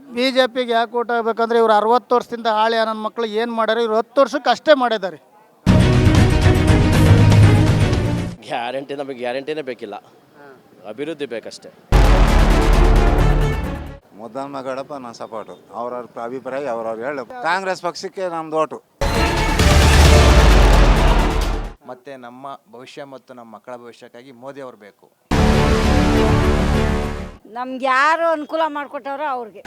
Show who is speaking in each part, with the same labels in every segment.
Speaker 1: B J ಪಿಗೆ ಯಾಕೆ vote ಆಗಬೇಕಂದ್ರೆ ಇವ್ರು 60 ವರ್ಷದಿಂದ ಹಾಳಿ ನನ್ನ ಮಕ್ಕಳು ಏನು ಮಾಡ್ಯಾರ, ಇವ್ರು 10 ವರ್ಷಕ್ಕೆ ಅಷ್ಟೇ ಮಾಡಿದ್ದಾರೆ.
Speaker 2: ನಮಗೆ ಗ್ಯಾರಂಟಿನೇ ಬೇಕಿಲ್ಲ, ಅಭಿವೃದ್ಧಿ ಬೇಕಷ್ಟೇ.
Speaker 3: ಮುದ್ದಮ್ಮ ಗಡಪ ನನ್ನ ಸಪೋರ್ಟು. ಅವ್ರವ್ರ ಅಭಿಪ್ರಾಯ ಅವ್ರವ್ರು ಹೇಳು. ಕಾಂಗ್ರೆಸ್ ಪಕ್ಷಕ್ಕೆ ನಮ್ದು ಓಟು.
Speaker 4: ಮತ್ತು ನಮ್ಮ ಭವಿಷ್ಯ ಮತ್ತು ನಮ್ಮ ಮಕ್ಕಳ ಭವಿಷ್ಯಕ್ಕಾಗಿ ಮೋದಿ ಅವರು ಬೇಕು.
Speaker 5: ನಮ್ಗೆ ಯಾರು ಅನುಕೂಲ ಮಾಡಿಕೊಟ್ಟವ್ರೋ ಅವ್ರಿಗೆ.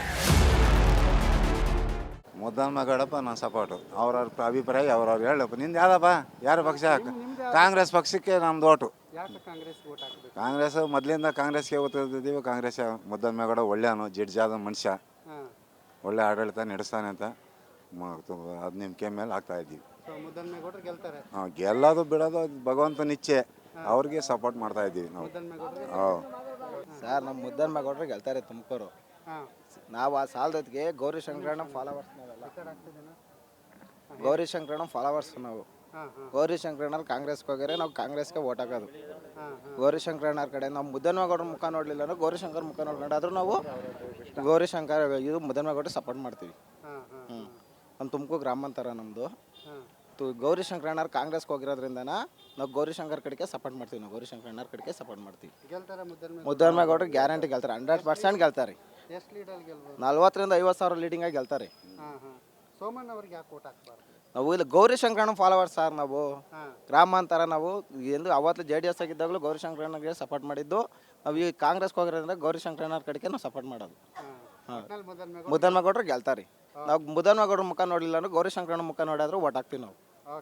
Speaker 3: ಮುದ್ದಮ್ಮ ಗಡಪ ನನ್ನ ಸಪೋರ್ಟು. ಅವ್ರವ್ರ ಅಭಿಪ್ರಾಯ ಅವ್ರವ್ರು ಹೇಳು. ನಿಂದು ಯಾವ್ದಪ್ಪ, ಯಾರು ಪಕ್ಷ? ಕಾಂಗ್ರೆಸ್ ಪಕ್ಷಕ್ಕೆ ನಮ್ದು ಓಟು. ಕಾಂಗ್ರೆಸ್ ಮೊದಲಿಂದ ಕಾಂಗ್ರೆಸ್ಗೆ ಓದ್ತಿದ್ದೀವಿ. ಕಾಂಗ್ರೆಸ್ ಮುದ್ದಮ್ಮ ಗೌಡ ಒಳ್ಳೆಯವನು, ಜಿಡ್ಜಾದ ಮನುಷ್ಯ, ಒಳ್ಳೆ ಆಡಳಿತ ನಡೆಸ್ತಾನೆ ಅಂತ ಅದು ನಿಮ್ಮ ಕೈ ಮೇಲೆ ಆಗ್ತಾ ಇದ್ದೀವಿ. ಗೆಲ್ಲೋದು ಬಿಡೋದು ಭಗವಂತನ ಇಚ್ಛೆ. ಅವ್ರಿಗೆ ಸಪೋರ್ಟ್ ಮಾಡ್ತಾ ಇದ್ದೀವಿ ನಾವು.
Speaker 4: ಸರ್, ನಮ್ಮ ಮುದ್ದಮ್ಮ ಗೌಡ್ರು ಗೆಲ್ತಾರೆ ತುಮಕೂರು. ನಾವು ಆ ಸಾಲದೊತ್ತಿಗೆ ಗೌರಿ ಶಂಕರಣ್ಣ ಫಾಲೋವರ್ಸ್. ಗೌರಿ ಶಂಕರಣ್ಣ ಫಾಲೋವರ್ಸ್ ನಾವು. ಗೌರಿ ಶಂಕರಣ್ಣವ್ರು ಕಾಂಗ್ರೆಸ್ಗೆ ಹೋಗ್ಯಾರೆ, ನಾವು ಕಾಂಗ್ರೆಸ್ಗೆ ಓಟ್ ಹಾಕೋದು. ಗೌರಿ ಶಂಕರಣ್ಣವ್ರ ಕಡೆ ನಾವು ಮುದ್ದನ್ಮೇಗೌಡ್ರ ಮುಖ ನೋಡಲಿಲ್ಲ ಅಂದ್ರೆ ಗೌರಿ ಶಂಕರ್ ಮುಖ ನೋಡ್ಕೊಂಡಾದ್ರೂ ನಾವು ಗೌರಿ ಶಂಕರ್ ಇದು ಮುದ್ದನ್ಮೇಗೌಡ್ರು ಸಪೋರ್ಟ್ ಮಾಡ್ತೀವಿ. ನಮ್ಮ ತುಮಕೂರು ಗ್ರಾಮಾಂತರ ನಮ್ಮದು. ಗೌರಿ ಶಂಕರಣ್ಣವ್ರು ಕಾಂಗ್ರೆಸ್ಗೆ ಹೋಗಿರೋದ್ರಿಂದ ನಾವು ಗೌರಿ ಶಂಕರ್ ಕಡೆಗೆ ಸಪೋರ್ಟ್ ಮಾಡ್ತೀವಿ. ನಾವು ಗೌರಿ ಶಂಕರಣ್ಣವ್ರ ಕಡೆಗೆ ಸಪೋರ್ಟ್ ಮಾಡ್ತೀವಿ. ಮುದ್ದನ್ಮೇಗೌಡ್ರು ಗ್ಯಾರಂಟಿ ಗೆಲ್ತಾರೆ, 100% ಗೆಲ್ತಾರೆ. 40,000 50,000 ಸಾವಿರ ಲೀಡಿಂಗಾಗಿ ಗೆಲ್ತಾರೆ. ನಾವು ಇಲ್ಲಿ ಗೌರಿ ಶಂಕರಣ್ಣ ಫಾಲೋವರ್ಸ್ ಸರ್. ನಾವು ಗ್ರಾಮಾಂತರ ನಾವು ಎಂದು ಅವತ್ತು JDS ಆಗಿದ್ದಾಗಲೂ ಗೌರಿ ಶಂಕರಣ್ಣಗೆ ಸಪೋರ್ಟ್ ಮಾಡಿದ್ದು. ನಾವು ಈ ಕಾಂಗ್ರೆಸ್ಗೆ ಹೋಗಿರೋದ್ರಿಂದ ಗೌರಿ ಶಂಕರಣ್ಣವ್ರ ಕಡೆಗೆ ನಾವು ಸಪೋರ್ಟ್ ಮಾಡೋದು. ಮುದ್ದನ್ಮೇಗೌಡ್ರು ಗೆಲ್ತಾರೆ. ನಾವು ಮುದ್ದನ್ಮೇಗೌಡ್ರ ಮುಖ ನೋಡಲಿಲ್ಲ ಅಂದ್ರೆ ಗೌರಿ ಶಂಕರಣ್ಣ ಮುಖ ನೋಡಿದ್ರು ಓಟ್ ಹಾಕ್ತೀವಿ ನಾವು.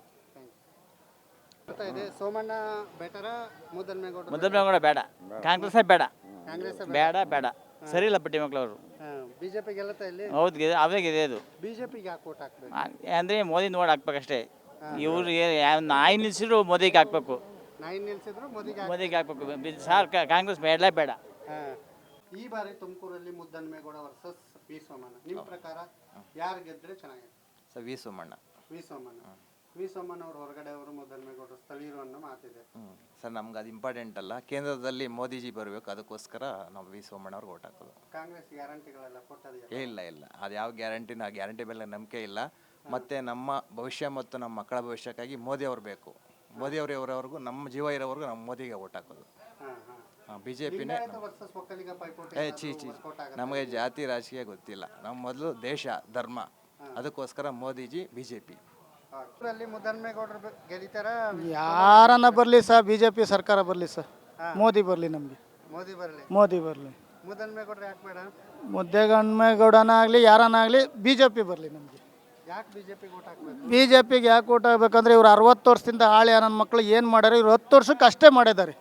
Speaker 6: ಮುದ್ದನ್ಮೇಗೌಡ ಬೇಡ, ಕಾಂಗ್ರೆಸ್ ಬೇಡ, ಬೇಡ ಬೇಡ, ಸರಿ ಇಲ್ಲ ಪಟ್ಟಿ ಮಕ್ಕಳವರು.
Speaker 1: ಬಿಜೆಪಿ ಗೆಲ್ಲುತ್ತಾ ಇಲ್ಲಿ?
Speaker 6: ಹೌದು, ಅವಾಗಿದೆ ಅದು.
Speaker 1: ಬಿಜೆಪಿಗೆ ಯಾಕೆ ಓಟ್ ಹಾಕ್ಬೇಕು
Speaker 6: ಅಂದರೆ ಮೋದಿ ನೋಡಿ ಹಾಕ್ಬೇಕಷ್ಟೇ. ಇವ್ರಿಗೆ ನಾಯಿ ನಿಲ್ಸಿದ್ರು ಮೋದಿಗೆ ಹಾಕ್ಬೇಕು,
Speaker 1: ನಾಯಿ ನಿಲ್ಸಿದ್ರು
Speaker 6: ಮೋದಿಗೆ ಹಾಕ್ಬೇಕು. ಸಾರ್ ಕಾಂಗ್ರೆಸ್ ಬೇಡ ಬೇಡ.
Speaker 1: ಈ ಬಾರಿ ತುಮಕೂರಲ್ಲಿ ಮುದ್ದನ್ಮೇಗೌಡ ವರ್ಸಸ್ ವಿ ಸೋಮಣ್ಣ. ನಿಮ್ಮ ಪ್ರಕಾರ ಯಾರು ಗೆದ್ರೆ ಚೆನ್ನಾಗಿದೆ?
Speaker 4: Sir, V Somanna.
Speaker 1: V Somanna ಅವರು ಹೊರಗಡೆ ಅವರು, ಮುದ್ದನ್ಮೇಗೌಡರು ಸ್ಥಳೀಯರು ಅನ್ನೋ ಮಾತಿದೆ.
Speaker 4: ಸರ್, ನಮ್ಗೆ ಅದು ಇಂಪಾರ್ಟೆಂಟ್ ಅಲ್ಲ. ಕೇಂದ್ರದಲ್ಲಿ ಮೋದಿಜಿ ಬರಬೇಕು, ಅದಕ್ಕೋಸ್ಕರ ನಾವು ವಿ ಸೋಮಣ್ಣ ಅವ್ರಿಗೆ ಓಟ್ ಹಾಕೋದು.
Speaker 1: ಕಾಂಗ್ರೆಸ್ ಗ್ಯಾರಂಟಿಗಳೆಲ್ಲ ಕೊಟ್ಟದ?
Speaker 4: ಇಲ್ಲ, ಅದು ಯಾವ ಗ್ಯಾರಂಟಿನ ಗ್ಯಾರಂಟಿ ಮೇಲೆ ನಂಬಿಕೆ ಇಲ್ಲ. ಮತ್ತು ನಮ್ಮ ಭವಿಷ್ಯ ಮತ್ತು ನಮ್ಮ ಮಕ್ಕಳ ಭವಿಷ್ಯಕ್ಕಾಗಿ ಮೋದಿ ಅವರು ಬೇಕು. ಮೋದಿ ಅವರು ಇರೋವರೆಗೂ, ನಮ್ಮ ಜೀವ ಇರೋವರೆಗೂ ನಾವು ಮೋದಿಗೆ ಓಟ್ ಹಾಕೋದು. BJPನೇ. ಚೀ ನಮಗೆ ಜಾತಿ ರಾಜಕೀಯ ಗೊತ್ತಿಲ್ಲ. ನಮ್ಮ ಮೊದಲು ದೇಶ ಧರ್ಮ, ಅದಕ್ಕೋಸ್ಕರ ಮೋದಿಜಿ BJP.
Speaker 1: ಮುದ್ದನ್ಮೇಗೌಡರು ಗೆಲ್ಲಿತಾರ? ಯಾರನ್ನ ಬರಲಿ ಸರ್, ಬಿಜೆಪಿ ಸರ್ಕಾರ ಬರಲಿ ಸರ್, ಮೋದಿ ಬರಲಿ. ನಮಗೆ ಮೋದಿ ಬರಲಿ. ಮುದ್ದನ್ಮೇಗೌಡರು ಯಾಕೆ ಬೇಡ? ಮುದ್ದನ್ಮೇಗೌಡನ ಆಗಲಿ ಯಾರನ್ನಾಗಲಿ ಬಿಜೆಪಿ ಬರಲಿ ನಮಗೆ. ಯಾಕೆ ಬಿಜೆಪಿಗೆ ಓಟ್ ಹಾಕ್ಬೇಕು? ಬಿಜೆಪಿಗೆ ಯಾಕೆ ಓಟ್ ಹಾಕ್ಬೇಕಂದ್ರೆ ಇವ್ರು 60 ವರ್ಷದಿಂದ ಹಾಳಿ ನನ್ನ ಮಕ್ಕಳು ಏನು ಮಾಡ್ಯಾರ, ಇವ್ರು 10 ವರ್ಷಕ್ಕೆ ಅಷ್ಟೇ ಮಾಡಿದ್ದಾರೆ.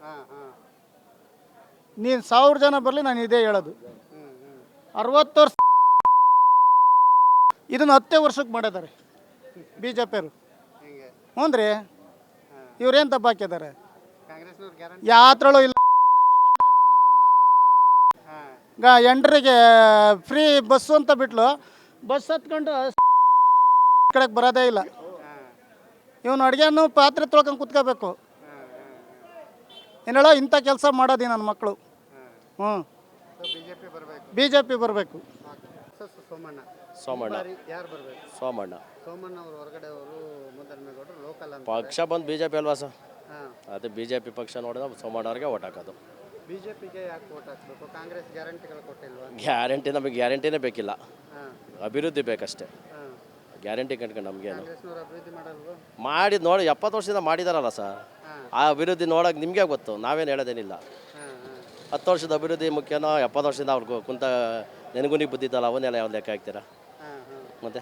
Speaker 1: ನೀನು 1000 ಜನ ಬರಲಿ, ನಾನು ಇದೇ ಹೇಳೋದು. 60 ವರ್ಷ ಇದನ್ನು 10 ವರ್ಷಕ್ಕೆ ಮಾಡಿದ್ದಾರೆ ಬಿಜೆಪಿಯವರು. ಹ್ಞೂ ರೀ, ಇವ್ರೇನು ತಪ್ಪು ಹಾಕಿದ್ದಾರೆ? ಯಾತ್ರಳು ಇಲ್ಲ. ಎಂಟ್ರಿಗೆ ಫ್ರೀ ಬಸ್ಸು ಅಂತ ಬಿಟ್ಲು, ಬಸ್ ಹತ್ಕೊಂಡು ಕಡೆಗೆ ಬರೋದೇ ಇಲ್ಲ. ಇವನು ಅಡುಗೆನೂ ಪಾತ್ರೆ ತೊಳ್ಕೊಂಡು ಕುತ್ಕೋಬೇಕು. ಏನೇಳೋ ಇಂಥ ಕೆಲಸ ಮಾಡೋದು ನನ್ನ ಮಕ್ಕಳು. ಬಿಜೆಪಿ ಬರಬೇಕು.
Speaker 2: ಸೋಮಣ್ಣ
Speaker 1: ಅವರು ಹೊರಗಡೆ ಅವರು, ಮುದ್ದನ್ಮೇಗೌಡರು ಲೋಕಲ್ ಅಂತ.
Speaker 2: ಪಕ್ಷ ಬಂದು BJP ಅಲ್ವಾ ಸರ್? ಅದೇ BJP ಪಕ್ಷ ನೋಡಿದ್ರೆ ಸೋಮಣ್ಣ ಅವ್ರಿಗೆ ಓಟ್ ಹಾಕೋದು.
Speaker 1: ಬಿಜೆಪಿಗೆ ಯಾಕೆ ಓಟ್ ಹಾಕ್ಬೇಕು? ಕಾಂಗ್ರೆಸ್ ಗ್ಯಾರಂಟಿಗಳು ಕೊಟ್ಟಿಲ್ವಾ?
Speaker 2: ನಮಗೆ ಗ್ಯಾರಂಟಿನೇ ಬೇಕಿಲ್ಲ, ಅಭಿವೃದ್ಧಿ ಬೇಕಷ್ಟೇ. ಗ್ಯಾರಂಟಿ ಕಟ್ಕೊಂಡು ನಮಗೇನು ಮಾಡಿದ್ದು ನೋಡಿ 70 ವರ್ಷದಿಂದ ಮಾಡಿದಾರಲ್ಲ ಸರ್. ಆ ಅಭಿವೃದ್ಧಿ ನೋಡೋಕೆ ನಿಮಗೆ ಗೊತ್ತು, ನಾವೇನು ಹೇಳೋದೇನಿಲ್ಲ. 10 ವರ್ಷದ ಅಭಿವೃದ್ಧಿ ಮುಖ್ಯನೋ 70 ವರ್ಷದಿಂದ ಅವ್ರಿಗೆ ಕುಂತ ನೆನಗುನಿಗೆ ಬುದ್ದಿದ್ದಲ್ಲ, ಅವನ್ನೆಲ್ಲ ಯಾವ ಲೆಕ್ಕ ಹಾಕ್ತೀರಾ? ಮತ್ತೆ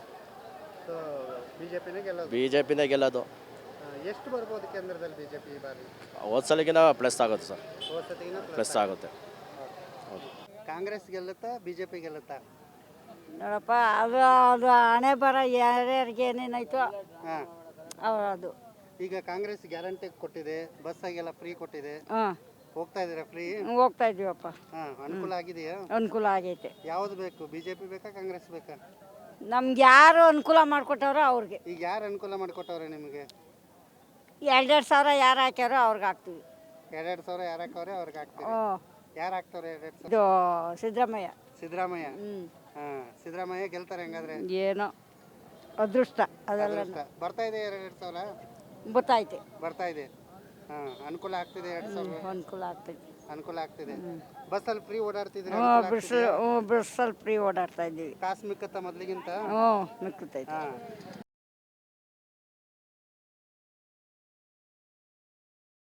Speaker 2: ಬಿಜೆಪಿನೇ ಗೆಲ್ಲೋದು.
Speaker 1: ಎಷ್ಟು ಬರ್ಬೋದು ಕೇಂದ್ರದಲ್ಲಿ ಬಿಜೆಪಿ ಈ ಬಾರಿ?
Speaker 2: ಹೋದ್ಸಲಿಗಿನ ಪ್ಲಸ್ ಆಗುತ್ತೆ ಸರ್, ಪ್ಲಸ್ ಆಗುತ್ತೆ.
Speaker 1: ಕಾಂಗ್ರೆಸ್ ಗೆಲ್ಲುತ್ತಾ ಬಿಜೆಪಿ ಗೆಲ್ಲುತ್ತಾ?
Speaker 5: ನೋಡಪ್ಪ, ಅದು ಹಣೆ ಬರ ಯಾರ್ಯಾರಿಗೆ ಏನೇನಾಯ್ತು ಅದು.
Speaker 1: ಈಗ ಕಾಂಗ್ರೆಸ್ ಗ್ಯಾರಂಟಿ ಕೊಟ್ಟಿದೆ, ಬಸ್ಸಾಗೆಲ್ಲ ಫ್ರೀ ಕೊಟ್ಟಿದೆ. ಹೋಗ್ತಾ ಇದ್ದೀರಾ ಫ್ರೀ?
Speaker 5: ಹೋಗ್ತಾ ಇದೀವಪ್ಪ.
Speaker 1: ಅನುಕೂಲ ಆಗಿದೆಯಾ?
Speaker 5: ಅನುಕೂಲ ಆಗೈತೆ.
Speaker 1: ಯಾವ್ದು ಬೇಕು, ಬಿಜೆಪಿ ಬೇಕಾ ಕಾಂಗ್ರೆಸ್ ಬೇಕಾ?
Speaker 5: ನಮ್ಗೆ ಯಾರು ಅನುಕೂಲ ಮಾಡಿಕೊಟ್ಟವ್ರೋ ಅವ್ರಿಗೆ.
Speaker 1: ಈಗ ಯಾರು ಅನುಕೂಲ ಮಾಡಿಕೊಟ್ಟವ್ರೆ ನಿಮಗೆ?
Speaker 5: 2,2 ಸಾವಿರ ಯಾರು ಹಾಕ್ಯಾರೋ ಅವ್ರಿಗೆ ಹಾಕ್ತೀವಿ.
Speaker 1: 2,2 ಸಾವಿರ ಯಾರು ಹಾಕವ್ರೆ ಅವ್ರಿಗೆ ಹಾಕ್ತೀವಿ. ಯಾರು ಹಾಕ್ತವ್ರೆ 2,2 ಸಾವಿರ?
Speaker 5: ಇದು ಸಿದ್ದರಾಮಯ್ಯ.
Speaker 1: ಸಿದ್ದರಾಮಯ್ಯ.
Speaker 7: ಸಿದ್ದರಾಮಯ್ಯ ಗೆಲ್ತಾರೆ ಹೆಂಗಾದ್ರೆ?
Speaker 5: ಏನೋ ಅದೃಷ್ಟ ಅದೆಲ್ಲ
Speaker 7: ಅದೃಷ್ಟ. ಬರ್ತಾ ಇದೆ 2,000
Speaker 5: ಗೊತ್ತಾಯ್ತು.
Speaker 7: ಬರ್ತಾ ಇದೆ. ಅನುಕೂಲ ಆಗ್ತಿದೆ 2,000
Speaker 5: ಅನುಕೂಲ ಆಗ್ತೈತಿ.
Speaker 7: ಅನುಕೂಲ ಆಗ್ತಿದೆ. ಬಸ್ಸಲ್ಲಿ ಫ್ರೀ ಓಡಾಡ್ತಿದ್ರೆ
Speaker 5: ಬಸ್ಸಲ್ಲಿ ಫ್ರೀ ಓಡಾಡ್ತಾ ಇದ್ದೀವಿ.
Speaker 7: ಕಾಸು ಮಿಕ್ಕತ್ತ ಮೊದ್ಲಿಗಿಂತ?
Speaker 5: ಹ್ಞೂ ಮಿಕ್ಕತೈತಿ.